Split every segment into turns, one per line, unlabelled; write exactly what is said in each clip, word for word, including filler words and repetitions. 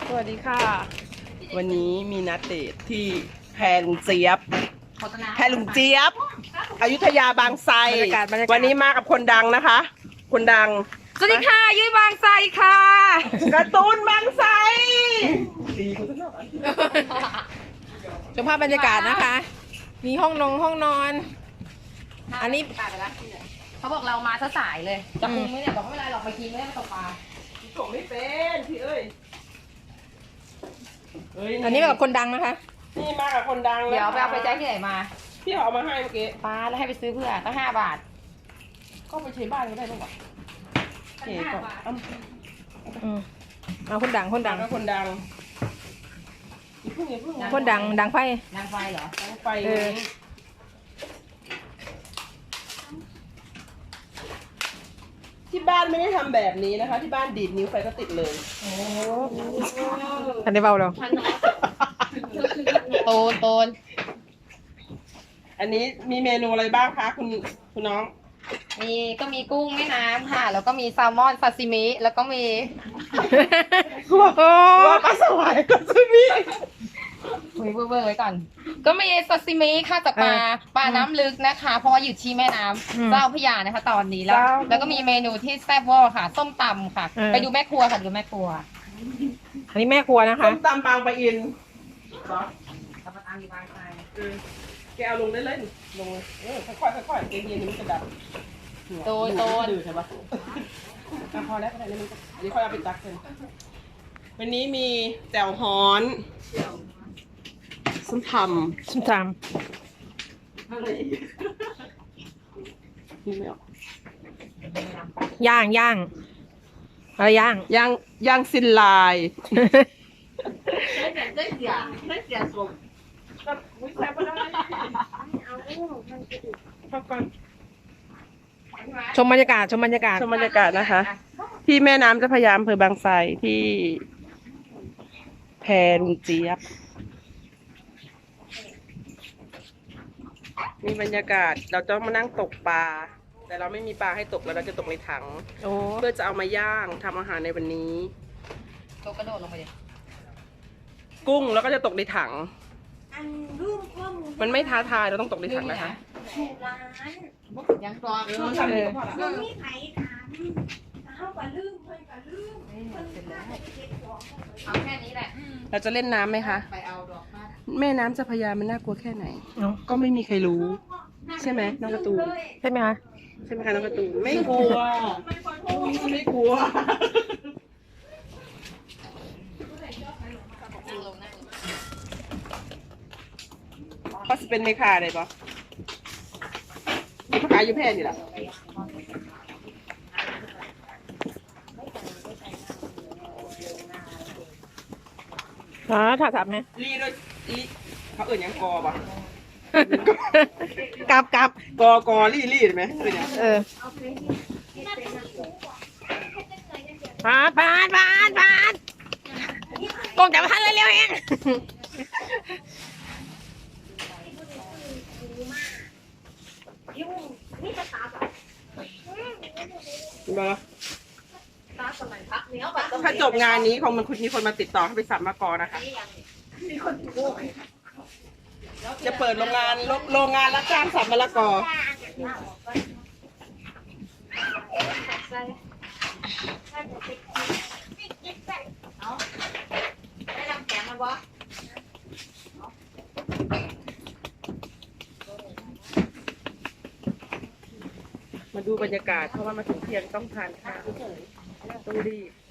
สวัสดีค่ะ วันนี้มีนัดเดทที่แพรลุงเจี๊ยบแพรลุงเจี๊ยบอยุธยาบางไทรวันนี้มากับคนดังนะคะ คนดัง
สวัสดีค่ะยุ้ยบางไทรค่ะ
การ์ตูนบางไทร
ชมภาพบรรยากาศนะคะ มีห้องนงห้องนอน อันนี้
เขาบอกเรามาซะสายเลยจะคุมไหมเนี่ยบอกไม่เป็นไรหรอกไปกินไม่ได้มาตกปลา
ส่งไม่เป็นพี่เอ้ย
อันนี้แบบคนดังนะคะ
นี่มากับคนดัง
เดี๋ยวไปเอาไปแจ้งที่ไหนมา
พี่เอามาให้เมื่อกี้
ปลาแล้วให้ไปซื้อเพื่อตั้งห้าบาท
ก็ไปใช้บ้านก็ได้บ้างวะเก๋ก่อนเอา
อืมเอาคนดังคนดัง
ก็คนดังอย่าเพิ่งอย่าเพิ่งนะ
คนดังดังไฟ
นางไฟเหรอ
ดังไฟ
เออ
ที่บ้านไม่ได้ทำแบบนี้นะคะ ที่บ้านดีดนิ้วไฟก็ติดเลย
อันนี้เบาเรา
โตนโตน
อันนี้มีเมนูอะไรบ้างคะคุณคุณน้อง
มีก็มีกุ้งแม่น้ำค่ะ แล้วก็มีแซลมอนซาซิมิแล้วก็มี
โอ้โห
ว่าปลาสวายก็จะมี
มีเบอร์เบอร์ไว้ก่อน ก็มีซาซิมิค่ะจากปลาปลาน้ำลึกนะคะ เพราะว่าอยู่ที่แม่น้ำเจ้าพระยานะคะ ตอนนี้แล้ว แล้วก็มีเมนูที่แซ่บเวอร์ค่ะ ส้มตำค่ะ ไปดูแม่ครัวค่ะดูแม่ครัว
อันนี้แม่ครัวนะคะ
ต้มตำบางปะอินเหรอ
ตำตำอยู่บางไทร
เออแกเอาลงได้เลยลงเลยเออค่อยๆค่อยๆเย็นๆนี่มันจะดับ
โตนโตน
ดื้อใช่ปะอ่ะพอแล้วพอแล้วนี่มันอันนี้ค่อยเอาไปตักเลยวันนี้มีแจ่วฮ้อนส้มตำ
ชิมตาม
อะไรอีกนี่ไม่ออก
ย่างย่างอะไรย่าง
ย่างย่างซินลาย
ได้เสียได้เสียสม
ก็วิแซ่บก็ได้พักก่อน
ชมบรรยากาศชมบรรยากาศ
ชมบรรยากาศนะคะ ที่แม่น้ำเจ้าพระยาอำเภอบางไทรที่แพรลุงเจี๊ยบมีบรรยากาศเราต้องมานั่งตกปลาแต่เราไม่มีปลาให้ตกแล้วเราจะตกในถัง
โอ้
เพื่อจะเอามาย่างทำอาหารในวันนี้
โตกระโดดลงไปดิ
กุ้งแล้วก็จะตกในถัง มันไม่ท้าทายเราต้องตกในถังนะคะ
ยังกรอง
เออทำดีก็พอละ
มันมีไผถามเขาก็ลืมเพิ่นก็ลืมเพิ่นก็ได้เก็บของ
เอาแค่นี้แหละ
เราจะเล่นน้ำไหมคะ
ไปเอาดอกมา
แม่น้ำเจ้าพระยามันน่ากลัวแค่ไหน
เนาะ
ก็ไม่มีใครรู้ ใช่ไหมน้องการ์ตูน
ใช่ไหมคะ
ใช่ไหมคะน้องการ์ตูนไม่กลัวไม่กลัว
นั่งลงนั่งลง
เขาจะเป็นเมคาได้ปะขายอยู่แพร่นี่แหละ
อ๋อถาถับไหม
รีด้วยรีเขาเอื่นหยังกอปะ
กลับกลับ
กอกอรีรีได้ไหมเอื่นหยัง
เออปาดปาดปาดปาดกงจับทันเลยเร็วเอง
ยุ่งนี่จะตาแบบ
เห็นปะ
ตาสมัยพักเนี้ยแบบ
ถ้าจบงานนี้คงมันคุณมีคนมาติดต่อให้ไปสัมมากอนะคะ
มีคนโง่
จะเปิดโรงงานโรโรงงานรับจ้างสับมะละกอ
ได้ลำแข็งมันวะ
มาดูบรรยากาศเพราะว่ามาถึงเที่ยงต้องทานข้าวต้องรีบ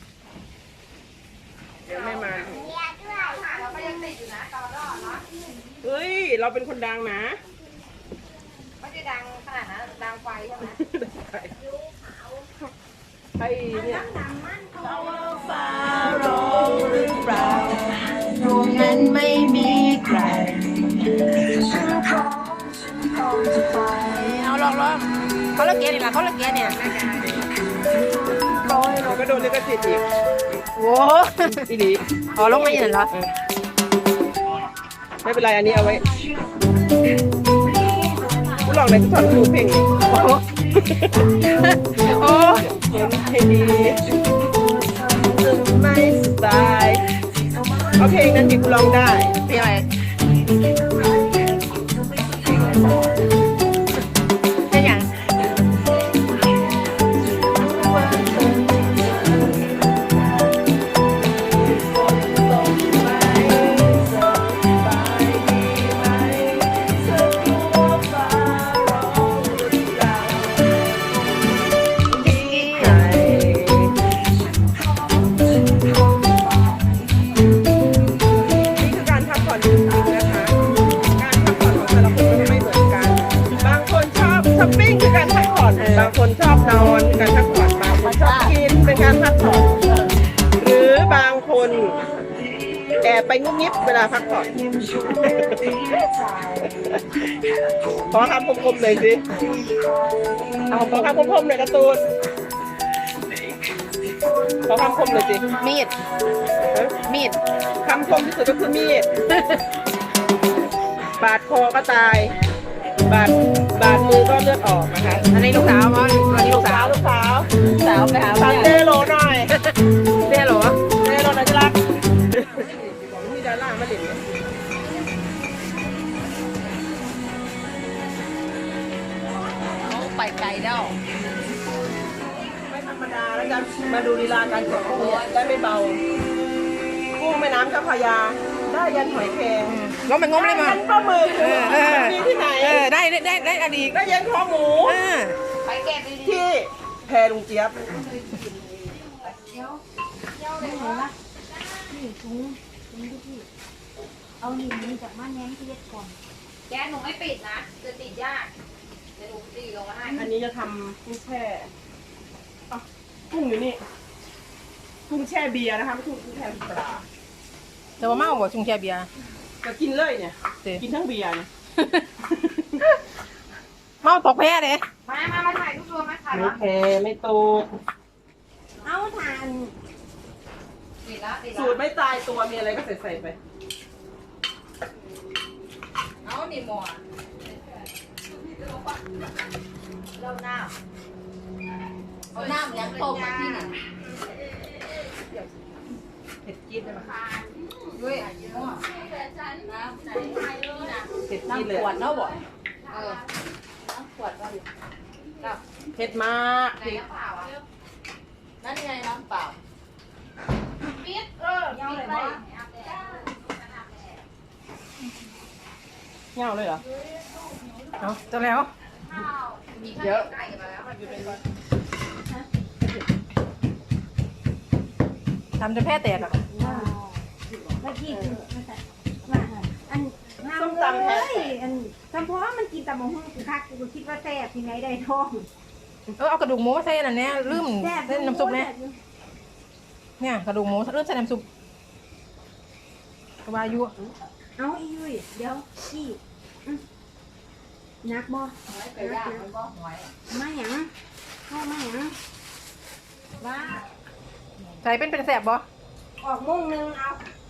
เดี๋ยวไม่มาถึง
เราก็ยังติดอยู่นะตอนรอดเนาะ
เฮ้ย เราเป็นคนดังนะ
ไม่ได้ดังขนาดนั้นดังไฟใช่ไหม
ไอ้เนี่ย
ตรงนั้นไม่มีใครเอาลองลองเขาเลิกเกียร์นี่แหละเขาเลิกเกียร์เนี่ย
เราก็โดนลิขสิทธิ์อีก
โว้
อีดี
อ๋อลงมาอย่างนั้นเหรอ
ไม่เป็นไรอันนี้เอาไว้ผู้ลองในทุกท่อนรู้เพลงนี้
โอ้โหโอ้
เห็นเพลงดีไม่สบายเอาเพลงนั้นดิกูร้องได้
เพลงอะไรเพลงอย่าง
นี่คือการพักผ่อนจริงๆนะคะ การพักผ่อนของแต่ละคนก็ไม่เหมือนกัน บางคนชอบช้อปปิ้งคือการพักผ่อน บางคนชอบนอนคือการพักผ่อน บางคนชอบกินเป็นการพักผ่อน หรือบางคนแอบไปงุบงิบเวลาพักผ่อน ขอคำคมๆหน่อยสิ เอาขอคำคมๆหน่อยการ์ตูน ขอคำคมหน่อยสิ
มีด มีด
คำคมที่สุดก็คือมีด บาดคอก็ตาย บาดบาดมือก็เลือดออกนะคะ
อันนี้ลูกสาวมั้งอันนี้ลูกสาว
ลูกสาว
สาวไปหา
สันเดโลหน่อย
เตี้ยเหรอ
เดโลหน่อยจะรักมีดารามาเด่นไหม
ไปไกลแล้ว
ไม่ธรรมดาแล้วกันมาดูลีลาการกดกุ้งเนี่ยได้ไม่เบา กุ้งแม่น้ำเจ้าพระยา ได้ยันหอยแครง
งมมันงมเลยมั้
ยั
ง
นปลาหมึก
เออเออ
มีที่ไหน
เออ ได้ได้ได้ได้อดีต
ได้ยันคอหมู
เออ
ไปเก็บดี
ที่แพลุงเจี๊ยบ
เอาหนีมันจากมาแง้งที่เล็ดก่อน
ๆแกหนูไม่ปิดนะ จะติดยากเดี๋ยวหนูตีลงมาให้
อันนี้จะทำกุ้งแช่อ่ะกุ้งอยู่นี่ กุ้งแช่เบียร์นะคะไม่ใช่กุ้งแช่ปลา
แต่ว่าเมาบ่ชุงแช่เบียร์
จะกินเลยเนี่ย
เต้
กินทั้งเบียร์เนี่ย
เมาตกแพ้เลย
มามามาถ่ายรูปรวมมาถ่าย
ไม่
รูป
แพไม่โตก
เอาทาน
ติดแล้วติด
สู
แล้ว
ตรไม่ตายตัวมีอะไรก็ใส่ใส่ไป
เอาหนีหมอเริ่มน้ำเอาน้ำยังต้มมาที่นี่
เผ็ดจี๊ดเลยมั้ย
ด้วยหม้อ
เผ็ดจี๊ดเลย
ขวดเนาะบ่เออน้ำขวดก็อยู่กับ
เผ็ดมาก
ไหนน้ำเปล่าอ่ะนั่นไงน้ำเปล่าปิดเออปิดเลย
เงาเลยเหรอ
เอาจะแล้ว
เยอะ
ทำจนแพ้แตกอ่ะ
เมื่อกี้คือว่าอันน้ำเลยอันเฉพาะมันกินแต่มะฮุ่งคือคักกูคิดว่าแซ่บที่ไหนได้ท้อง
เออเอากระดูกหมูมาใส่อันนั้นเนี่ยลืม
แซ่บ
เส้นน้ำซุปเนี่ยเนี่ยกระดูกหมูลืมใส่น้ำซุปกระบายุ
เอาอียุ้ยเดี๋ยวอีนักบ่
หอยไปย่างมันก็หอย
มาหยังเข้ามาหยังว่า
ใส่เป็นเป็นแสบบ่
ออกมุ่งนึงเอา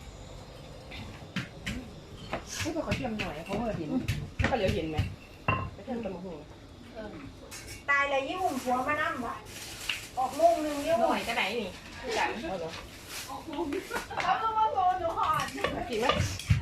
ให้ไปขอเทียมหน่อยเขาเหลือเห็นไม่ก็เหลือเห็นไหมไปเทียมตะมหู
ตายเลยยิ่งหุ่มผัวมานั่งบ่ออกมุ่งนึงยิ่ง
หน่อยก็ไหนนี่จังเอาเหรอกินไหม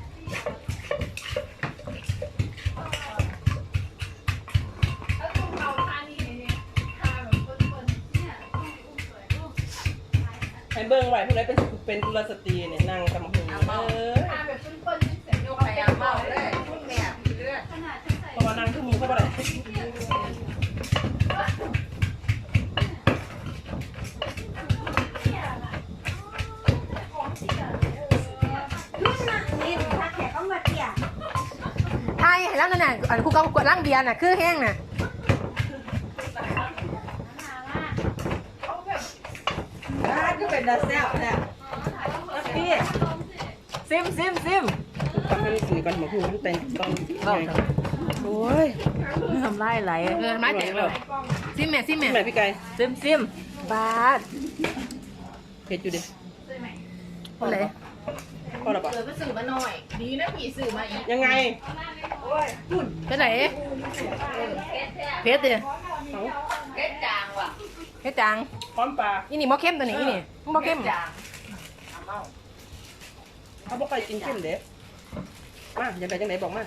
ไอ้เบิ้งไหวพวกนั้นเป็นเป็นกุลสตรีเนี่ยนั่งตะมหูเออ
โยกไปยางเมาเลยพุ่นแบบเลือด
เพราะว่านั่งขึ้นมือเข้าไปเลย
รุ่นน่ะนี่ถ้าแขกก็มาเตี่ย
ไทยแล้วนั่นน่ะอันคู่กับกวดล่างเบียร์น่ะคือแห้งน่ะ
ก็เป็นดาเซลเนี่ยพี่ซิมซิมซิมทำให้สื่อกันหมดหูมันเป็นตอนโอ้ย
ทำไรไหลเออไม้แตกเลยซิมแม่ซิมแม่
แม่พี่ไก่ซิมซิม
บาด
เผ็ดอยู่ดิ
คนไหน
พอหรอปะ
เออก็สื่อมาหน่อย ดีนะผีสื่อมาอีก
ยังไง
เป็นไหนเพชรดิ
เก็ดจางว่ะ
เพชรจาง
พร้อมปลา
อีนี่มอเข้มตัวนี้อีนี่มอเข้ม
จางเอาเมา
เขาบอกไปกินเข้มเด็ดมาอย่าไปจังไหนบอกมา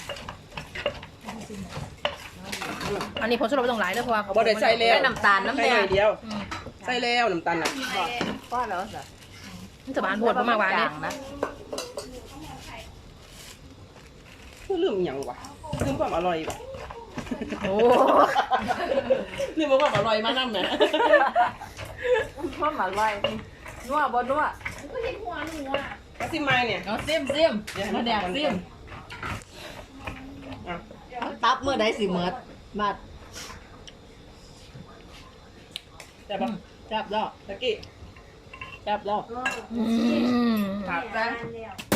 อันนี้ผงชูรสไม่ต้องหลายด้วยเพราะว่า
เขาบอกได้ใส่แล้ว
ได้น้ำตาลน้ำแดง
ใส่หอยเดียวใส่แล้วน้ำตาลน่ะ
ก็แล้วสิ
มันจะบานบดมากกว่านี้
นะ
คือลืมอหย่างวะลืมความอร่อยว่ะ
โอ้
ลืมความอร่อยมานั่นแหละ
พ่อหมาลอยนัวบ่นัว
ก็ซิมไม่เนี่ย
เอาซิมซิมมาแดกซิม
อ่ะ
ตับเมื่อใดสิเมิดมา
จับปะ
จับแล้ว
ตะกี้
จับแล้ว
อืม
ผัก
แล้
นะ
ว